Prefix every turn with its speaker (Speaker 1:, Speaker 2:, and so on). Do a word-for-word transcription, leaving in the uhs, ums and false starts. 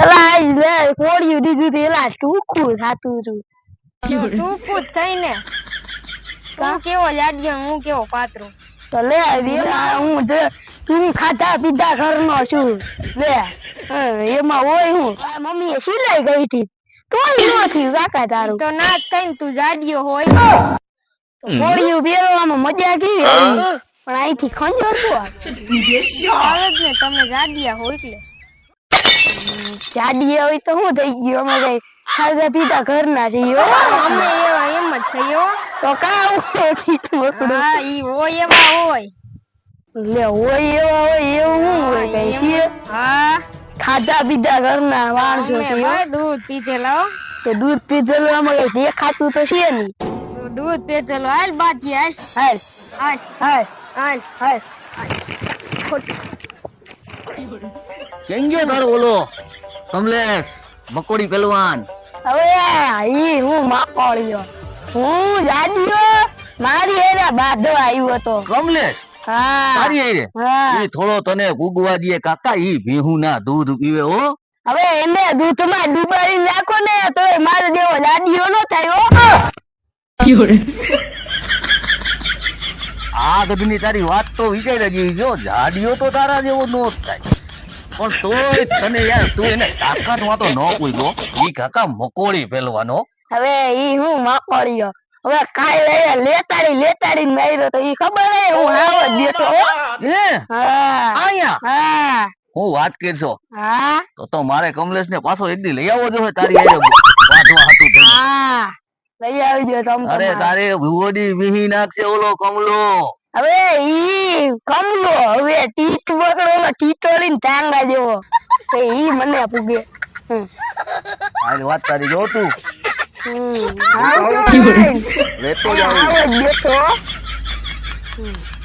Speaker 1: અલા લે કોડિયું દીધું તે એલા ટૂંકું થાતું હતું
Speaker 2: ટૂંકું જ થઈ ને તું કેવો જાડિયો હું કેવો પાતળો
Speaker 1: તો લે હું તું ખાધા પીધા ઘરનો છું લે એમાં હોય હું મમ્મી એ સિલાઈ ગઈ હતી તોય નો થયું કાકા તારું
Speaker 2: તો ના જ થઈ ને તું જાડિયો હોય
Speaker 1: કોડિયું પહેરવામાં મજા કેવી આવી પણ અહીંથી ખંજર તો
Speaker 2: આવે જ ને તમે જાડિયા હોય એટલે
Speaker 1: જાડી હોય તો શું થઈ ગયું અમે કઈ ખાધા પીધા ઘરના છીએ
Speaker 2: અમે એવા એમ જ થયો
Speaker 1: તો કા હોય પીઠું વકડું
Speaker 2: હા ઈ હોય એવા હોય
Speaker 1: લે હોય એવા હોય એવું શું હોય કઈ છીએ
Speaker 2: હા
Speaker 1: ખાધા પીધા ઘરના માણસો
Speaker 2: અમે
Speaker 1: છીએ
Speaker 2: ભાઈ દૂધ પીધેલો
Speaker 1: તો દૂધ પીધેલું આમાં કઈ દેખાતું તો છે નહીં
Speaker 2: દૂધ પીધેલો હાલ બાકી હાલ
Speaker 1: હાલ
Speaker 2: હાલ
Speaker 1: હાલ
Speaker 2: હાલ
Speaker 1: હાલ
Speaker 3: કેમ ગયો તારો ઓલો કમલેશ મકોડી પહેલવાન?
Speaker 1: હવે ઈ હું માકોળ્યો હું જાડ્યો મારી એને બાંધવા આવ્યો તો
Speaker 3: કમલેશ
Speaker 1: હા
Speaker 3: તારી આરે
Speaker 1: હા
Speaker 3: ઈ થોડો તને ગુગવા દે કાકા, ઈ ભીહું ના દૂધ પીવે હો.
Speaker 1: હવે એને દૂધમાં ડુબાડી નાખો ને તો મારો જેવો જાડિયો નો થાય હો
Speaker 3: આ ગધની તારી વાત તો વિચારી જેવી જો, જાડિયો તો તારા જેવો નો જ થાય પણ તોય તને યાર તું એને તાકાત માં તો ન પૂછ્યો. ઈ કાકા મકોડી પહેલવાનો.
Speaker 1: હવે ઈ હું માકોળ્યો હવે કાલે લેતાડી લેતાડી માર્યો તો ઈ ખબર હે હું હાવ જ બેઠો હો
Speaker 3: હે
Speaker 1: હા
Speaker 3: આયા
Speaker 1: હા
Speaker 3: હું વાત કરશો
Speaker 1: હા
Speaker 3: તો તો મારે કમલેશ ને પાછો એક દી લઈ આવવો જોઈએ તારી હારે વાંચવા હતું થઈને.
Speaker 1: હા લઈ આવજો તમ
Speaker 3: અરે તારે ભુવોડી વીહી નાખશે ઓલો કમલો.
Speaker 1: હવે ઈ કમલો હવે ટીટ બગડો ટીટોળીને ટાંગા જેવો તો ઈ મને પૂગે હમ
Speaker 3: હાલ વાત તારી જો તું
Speaker 1: હમ હા
Speaker 3: લેતો
Speaker 1: આવો
Speaker 3: જાવ.
Speaker 1: જ બેઠો હમ